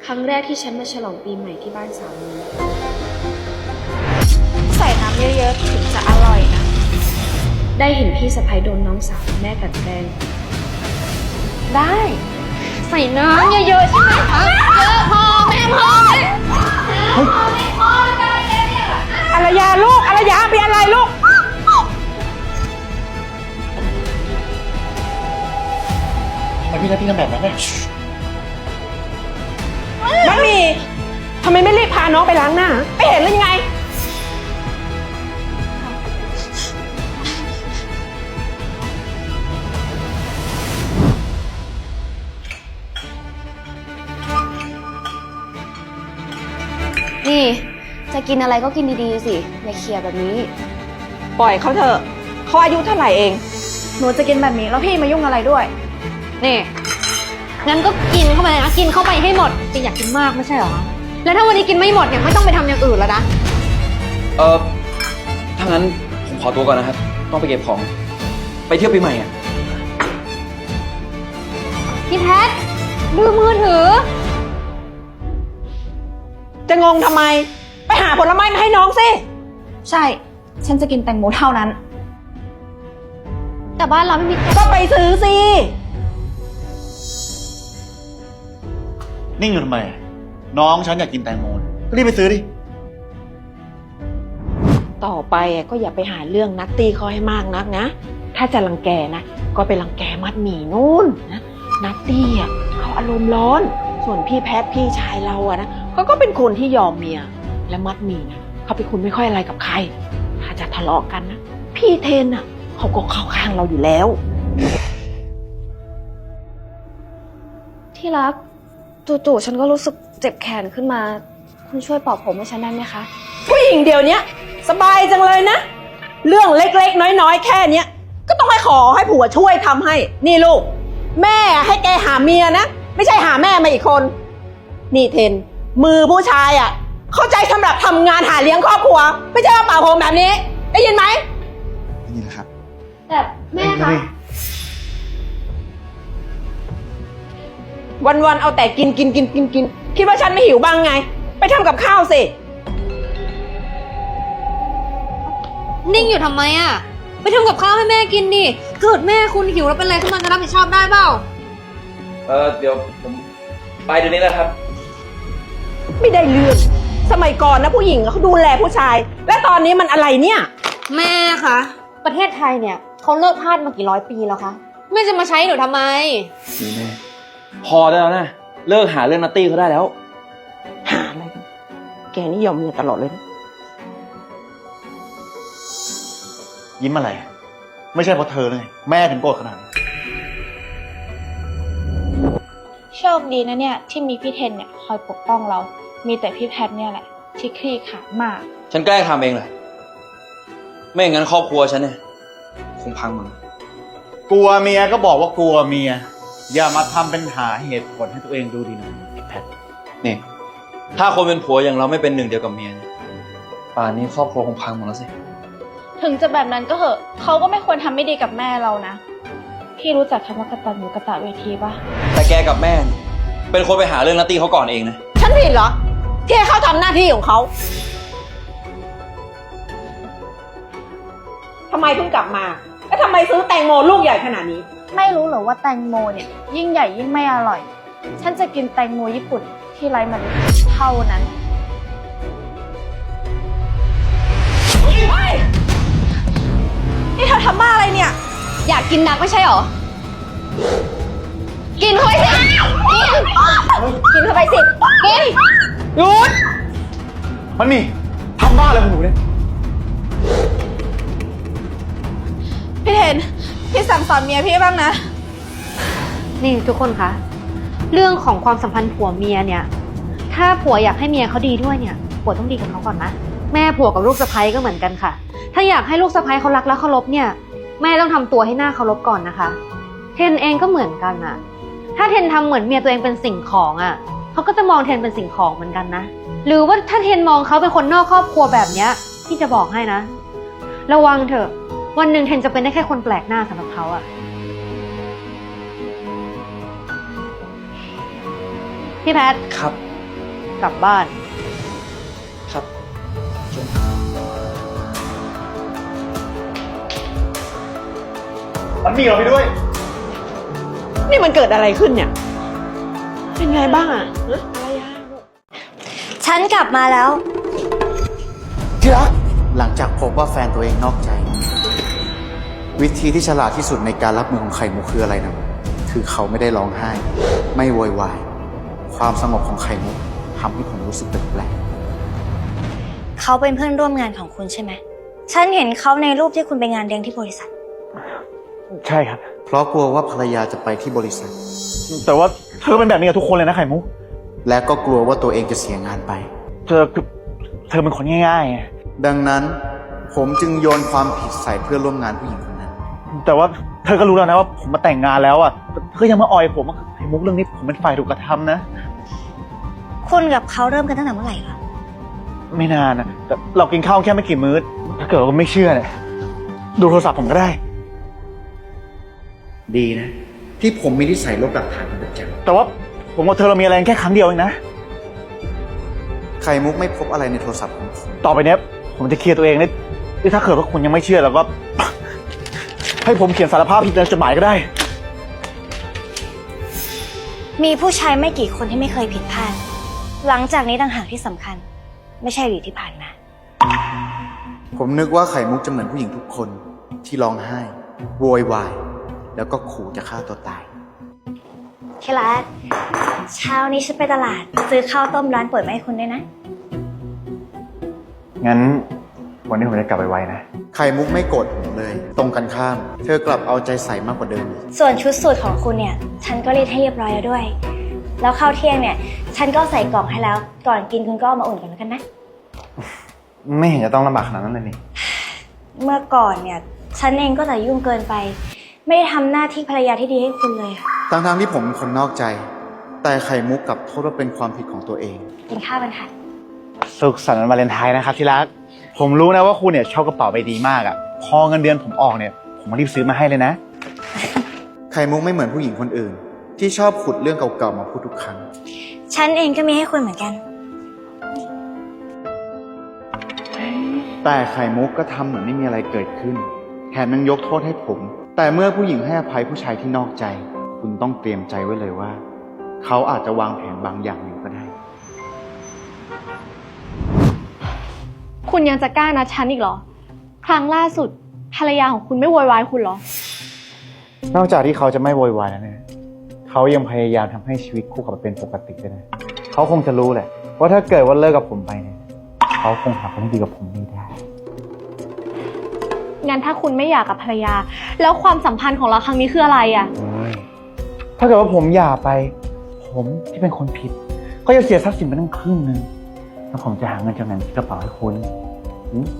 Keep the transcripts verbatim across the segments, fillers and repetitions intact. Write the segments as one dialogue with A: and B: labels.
A: ครั้งแรกที่ฉันมาฉลองปีใหม่ที่บ้านสามี
B: ใส่น้ำเยอะๆถึงจะอร่อยนะ
A: ได้เห็นพี่สะใภ้โดนน้องสาวแม่กลั่นแกล้ง
B: ได้ใส่น้ำเยอะๆใช่ไหมคะเยอะพอแม่พอไม่พอกันเลยเนี่ยอารยาลูกอารยาเป็นอะไรลูก
C: ทำไมพี่นัทพี่ทำแบบนั้นเนี่ย
B: มันมีทำไมไม่รีบพาน้องไปล้างหน้าไม่เห็นหรือยังไง
A: นี่จะกินอะไรก็กินดีๆสิอย่าเคียแบบนี้
B: ปล่อยเขาเถอะเขาอายุเท่าไหร่เองหนูจะกินแบบนี้แล้วพี่มายุ่งอะไรด้วย
D: นี่งั้นก็กินเข้าไปนะกินเข้าไปให้หมดจริงอยากกินมากไม่ใช่เหรอแล้วถ้าวันนี้กินไม่หมดเนี่ยไม่ต้องไปทำอย่างอื่นแล้วนะ
E: เออถ้างั้นผมขอตัวก่อนนะครับต้องไปเก็บของไปเที่ยวปีใหม่อ่ะ
D: พี่แพทดูมือถือ
B: จะงงทำไมไปหาผลไม้มาให้น้องสิ
D: ใช่ฉันจะกินแตงโมเท่านั้นแต่บ้านเราไม่มี
B: ก็ไปซื้อสิ
C: นิ่งอยู่ทำไมน้องฉันอยากกินแตงโมก็รีบไปซื้อดิ
B: ต่อไปก็อย่าไปหาเรื่องนัตตี้เขาให้มากนักนะถ้าจะรังแกนะก็ไปรังแกมัดหมี่นู่นนะนัตตี้อ่ะเขาอารมณ์ร้อนส่วนพี่แพทพี่ชายเราอะนะเขาก็เป็นคนที่ยอมเมียและมัดหมี่นะเขาเป็นคนไม่ค่อยอะไรกับใครถ้าจะทะเลาะกันนะพี่เทนอ่ะเขาก็เข้าข้างเราอยู่แล้ว
A: ที่รักจู่ๆฉันก็รู้สึกเจ็บแขนขึ้นมาคุณช่วยปลอบผมให้ฉันได้ไหมคะ
B: ผู้หญิงเดียวนี้สบายจังเลยนะเรื่องเล็กๆน้อยๆแค่เนี้ยก็ต้องให้ขอให้ผัวช่วยทำให้นี่ลูกแม่ให้แกหาเมียนะไม่ใช่หาแม่มาอีกคนนี่เทนมือผู้ชายอ่ะเข้าใจสำหรับทำงานหาเลี้ยงครอบครัวไม่ใช่มาเป่าผมแบบนี้ได้ยินไหม
C: นี่แหละครับ
A: แต่แม่คะ
B: วันๆเอาแต่กินกินกินกินกินคิดว่าฉันไม่หิวบ้างไงไปทำกับข้าวสิ
D: นิ่งอยู่ทำไมอ่ะไปทำกับข้าวให้แม่กินดิเกิดแม่คุณหิวแล้วเป็นไรขึ้นมาจะรับผิดชอบได้เปล่า
E: เออเดี๋ยวผมไปเดี๋ยวนี้แหละครับ
B: ไม่ได้เรื่องสมัยก่อนนะผู้หญิงเขาดูแลผู้ชายและตอนนี้มันอะไรเนี่ย
D: แม่คะประเทศไทยเนี่ยเขาเลิกทาสมากี่ร้อยปีแล้วคะแม่จะมาใช้หนูทำไม
E: นี่แม่พอได้แล้วนะเลิกหาเรื่องนัตตี้เขาได้แล้ว
B: หาอะไรกันแกนี่ยอมเมียตลอดเลยนะ
C: ยิ้มอะไรไม่ใช่เพราะเธอเลยแม่ถึงโกรธขนาดนี้
F: โชคดีนะเนี่ยที่มีพี่เทนเนี่ยคอยปกป้องเรา มีแต่พี่แพทเนี่ยแหละที่คลี่ขลาดมาก
E: ฉันแกล้งทำเองแหละไม่อย่างนั้นครอบครัวฉันเนี่ยคงพังหมด
C: กลัวเมียก็บอกว่ากลัวเมียอย่ามาทำเป็นหาเหตุผลให้ตัวเองดูดีนะแพท
E: นี่ถ้าคนเป็นผัวอย่างเราไม่เป็นหนึ่งเดียวกับเมียเนี่ยป่านนี้ครอบครัวคงพังหมดแล้วสิ
F: ถึงจะแบบนั้นก็เหอะเขาก็ไม่ควรทำไม่ดีกับแม่เรานะพี่รู้จักคำว่ากตัญญูกตเวทีปะ
E: แต่แกกับแม่เป็นคนไปหาเรื่องนัตตี้เขาก่อนเองนะ
B: ฉันผิดเหรอที่ให้เขาทำหน้าที่ของเขาทำไมเพิ่งกลับมาแล้วทำไมซื้อแตงโมลูกใหญ่ขนาดนี้
F: ไม่รู้เหรอว่าแตงโมเนี่ยยิ่งใหญ่ยิ่งไม่อร่อยฉันจะกินแตงโมญี่ปุ่นที่ไร้เมล็ดเท่านั้น
B: นี่เธอทำบ้าอะไรเนี่ย
D: อยากกินนักไม่ใช่หรอกินเข้าไปสิกินกินเข้าไปสิกิน
B: หยุด
C: มันมีทำบ้าอะไรของหนูเนี่ย
F: พี่เห็นพี่สั่งสอนเมียพี่บ้างนะ
D: นี่ทุกคนคะเรื่องของความสัมพันธ์ผัวเมียเนี่ยถ้าผัวอยากให้เมียเขาดีด้วยเนี่ยผัวต้องดีกับเขาก่อนนะแม่ผัวกับลูกสะใภ้ก็เหมือนกันค่ะถ้าอยากให้ลูกสะใภ้เขารักและเคารพเนี่ยแม่ต้องทำตัวให้หน้าเคารพก่อนนะคะเทนเองก็เหมือนกันอะถ้าเทนทำเหมือนเมียตัวเองเป็นสิ่งของอะเขาก็จะมองเทนเป็นสิ่งของเหมือนกันนะหรือว่าถ้าเทนมองเขาเป็นคนนอกครอบครัวแบบเนี้ยพี่จะบอกให้นะระวังเถอะวันหนึ่งเทนจะเป็นได้แค่คนแปลกหน้าสำหรับเขาอะพี่แพท
E: ครับ
D: กลับบ้าน
E: ครับ
C: มันมีเราไปด้วย
B: นี่มันเกิดอะไรขึ้นเนี่ย เป็นไงบ้างอะฮะอะไรอะ
F: ฉันกลับมาแล้ว
C: ที่รักหลังจากพบว่าแฟนตัวเองนอกใจ วิธีที่ฉลาดที่สุดในการรับมือของไข่มุกคืออะไรนะคือเขาไม่ได้ร้องไห้ ไม่โวยวายความสงบของไข่มุกทำให้ผมรู้สึกแปลก
F: เขาเป็นเพื่อนร่วมงานของคุณใช่ไหม ฉันเห็นเขาในรูปที่คุณไปงานเลี้ยงที่บริษัท
C: ๆใช่ครับ เพราะกลัวว่าภรรยาจะไปที่บริษัท แต่ว่าเธอเป็นแบบนี้กับทุกคนเลยนะไข่มุกและก็กลัวว่าตัวเองจะเสียงานไป เธอเธอเป็นคนง่ายๆดังนั้นผมจึงโยนความผิดใส่เพื่อนร่วมงานผู้หญิงคนนั้น แต่ว่าเธอก็รู้แล้วนะว่าผมมาแต่งงานแล้วอ่ะเธอยังมาออยผมไข่มุกเรื่องนี้ผมเป็นฝ่ายถูกกระทำนะ
F: คุณกับเขาเริ่มกันตั้งแต่เมื่อไหร่คะ
C: ไม่นานนะแต่เรากินข้าวแค่ไม่กี่มื้อถ้าเกิดว่าไม่เชื่อเนี่ยดูโทรศัพท์ผมก็ได้ ดีนะ ที่ผมมีนิสัยลบหลักฐานเป็นประจำแต่ว่าผมกับเธอเรามีอะไรกันแค่ครั้งเดียวเองนะไข่มุกไม่พบอะไรในโทรศัพท์ของผมต่อไปเนี้ยผมจะเคลียร์ตัวเองนี่ถ้าเกิดว่าคุณยังไม่เชื่อแล้วก็ ให้ผมเขียนสารภาพผิดในจดหมายก็ได้
F: มีผู้ชายไม่กี่คนที่ไม่เคยผิดพลาด หลังจากนี้ต่างหากที่สำคัญ ไม่ใช่อดีตที่ผ่านมา
C: ผมนึกว่าไข่มุกจะเหมือนผู้หญิงทุกคนที่ร้องไห้โวยวายแล้วก็ขู่จะฆ่าตัวตาย
F: เคลัสเช้านี้ฉันไปตลาด ซื้อข้าวต้มร้านเปิดมาให้คุณด้วยนะ
C: งั้นวันนี้ผมจะกลับไปไวนะไข่มุกไม่โกรธผมเลย ตรงกันข้าม เธอกลับเอาใจใส่มากกว่าเดิมอีก
F: ส่วนชุดสูทของคุณเนี่ย ฉันก็รีดให้เรียบร้อยแล้วด้วย แล้วข้าวเที่ยงเนี่ย ฉันก็ใส่กล่องให้แล้ว ก่อนกินคุณก็เอามาอุ่นกันแล้วกันนะ
C: ไม่เห็นจะต้องลำบากขนาดนั้นเลยนี่
F: เมื่อก่อนเนี่ย ฉันเองก็จะยุ่งเกินไป ไม่ได้ทำหน้าที่ภรรยาที่ดีให้คุณเลย
C: ทั้งๆที่ผมเป็นคนนอกใจ แต่ไข่มุกกลับโทษว่าเป็นความผิดของตัวเอง
F: กินข้าวกันค่ะ
C: สุขสันต์วันวาเลนไทน์นะครับที่รัก ผมรู้นะว่าคุณเนี่ยชอบกระเป๋าใบดีมากอ่ะ พอเงินเดือนผมออกเนี่ย ผมรีบซื้อมาให้เลยนะ ไข่มุกไม่เหมือนผู้หญิงคนอื่น ที่ชอบขุดเรื่องเก่าๆมาพูดทุกครั้ง
F: ฉันเองก็มีให้คุณเหมือนกัน
C: แต่ไข่มุกก็ทำเหมือนไม่มีอะไรเกิดขึ้น แถมยังยกโทษให้ผม แต่เมื่อผู้หญิงให้อภัยผู้ชายที่นอกใจ คุณต้องเตรียมใจไว้เลยว่า เขาอาจจะวางแผนบางอย่างอยู่ก็ได้
A: คุณยังจะกล้านัดฉันอีกเหรอ ครั้งล่าสุดภรรยาของคุณไม่โวยวายคุณเหรอ
C: นอกจากที่เขาจะไม่โวยวายแล้วเนี่ย เขายังพยายามทำให้ชีวิตคู่กลับมาเป็นปกติด้วยนะ เขาคงจะรู้แหละว่าถ้าเกิดว่าเลิกกับผมไปเนี่ย เขาคงหาคนที่ดีกับผมไม่ได้
A: งั้นถ้าคุณไม่อยากกับภรรยา แล้วความสัมพันธ์ของเราครั้งนี้คืออะไรอ่ะ
C: เฮ้ยถ้าเกิดว่าผมหย่าไป ผมที่เป็นคนผิด ก็จะเสียทรัพย์สินไปตั้งครึ่งนึงแล้วผมจะหาเงินจากไหนที่กระเป๋าให้คุณหืม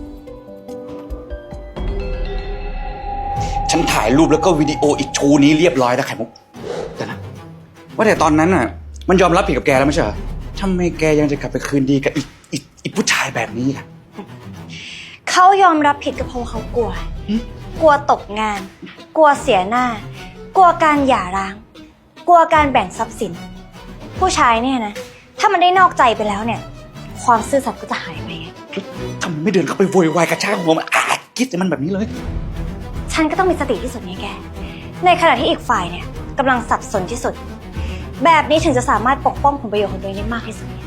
G: ฉันถ่ายรูปแล้วก็วิดีโออีกชูนี้เรียบร้อยแล้วไข่มุกแต่นะว่าแต่ตอนนั้นน่ะ มันยอมรับผิดกับแกแล้วไม่ใช่เหรอทำไมแกยังจะกลับไปคืนดีกับอีกอีกอีกผู้ชายแบบนี้ล่ะ
F: เขายอมรับผิดก็เพราะเขากลัว กลัวตกงาน กลัวเสียหน้า กลัวการหย่าร้าง กลัวการแบ่งทรัพย์สิน ผู้ชายเนี่ยนะ ถ้ามันได้นอกใจไปแล้วเนี่ย ความซื่อสัตย์ก็จะหายไปไง
G: ทำไมไม่เดินเข้าไปโวยวายกระชากหัวมันอ่ะคิดแต่มันแบบนี้เลย
F: ฉันก็ต้องมีสติที่สุดไงแก ในขณะที่อีกฝ่ายเนี่ยกำลังสับสนที่สุด แบบนี้ถึงจะสามารถปกป้องผลประโยชน์ของตัวเองได้มากที่สุดเนี่ย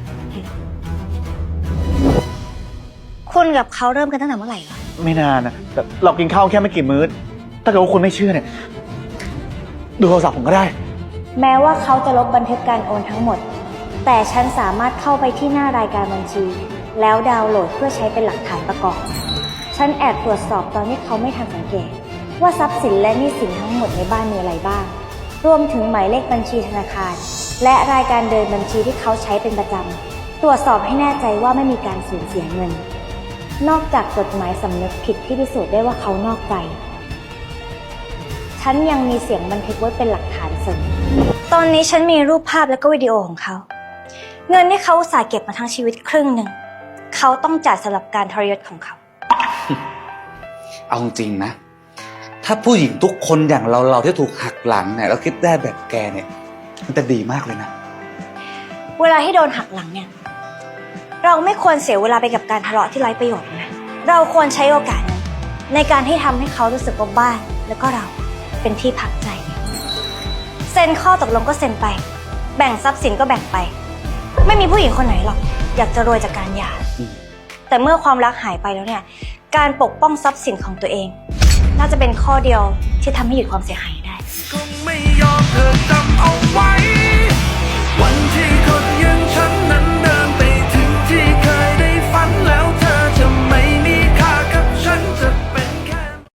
F: คุณกับเขาเริ่มกันตั้งแต่เมื่อไหร่เหรอ
C: ไม่นานนะแต่เรากินข้าวแค่ไม่กี่มื้อ ถ้าเกิดว่าคุณไม่เชื่อเนี่ย ดูโทรศัพท์ผมก็ได้
F: แม้ว่าเขาจะลบบันทึกการโอนทั้งหมด แต่ฉันสามารถเข้าไปที่หน้ารายการบัญชี แล้วดาวน์โหลดเพื่อใช้เป็นหลักฐานประกอบ ฉันแอบตรวจสอบตอนที่เขาไม่ทันสังเกต ว่าทรัพย์สินและหนี้สินทั้งหมดในบ้านมีอะไรบ้าง รวมถึงหมายเลขบัญชีธนาคาร และรายการเดินบัญชีที่เขาใช้เป็นประจำ ตรวจสอบให้แน่ใจว่าไม่มีการสูญเสียเงิน นอกจากจดหมายสำนึกผิดที่พิสูจน์ได้ว่าเขานอกใจ ฉันยังมีเสียงบันทึกไว้เป็นหลักฐานเสริม ตอนนี้ฉันมีรูปภาพและก็วิดีโอของเขา เงินที่เขาอุตส่าห์เก็บมาทั้งชีวิตครึ่งหนึ่ง เขาต้องจ่ายสำหรับการทรยศของเขา
G: เอาจริงนะ ถ้าผู้หญิงทุกคนอย่างเราเราที่ถูกหักหลังเนี่ยแล้วคิดได้แบบแกเนี่ย มันจะดีมากเลยนะ
F: เวลาที่โดนหักหลังเนี่ย เราไม่ควรเสียเวลาไปกับการทะเลาะที่ไร้ประโยชน์นะ เราควรใช้โอกาสนั้นในการที่ทำให้เขารู้สึกว่าบ้านแล้วก็เราเป็นที่พักใจ เซ็นข้อตกลงก็เซ็นไป แบ่งทรัพย์สินก็แบ่งไป ไม่มีผู้หญิงคนไหนหรอกอยากจะรวยจากการหย่า แต่เมื่อความรักหายไปแล้วเนี่ย การปกป้องทรัพย์สินของตัวเอง น่าจะเป็นข้อเดียวที่ทำให้หยุดความเสียหายได้
H: คงไม่ยอมเธอจำ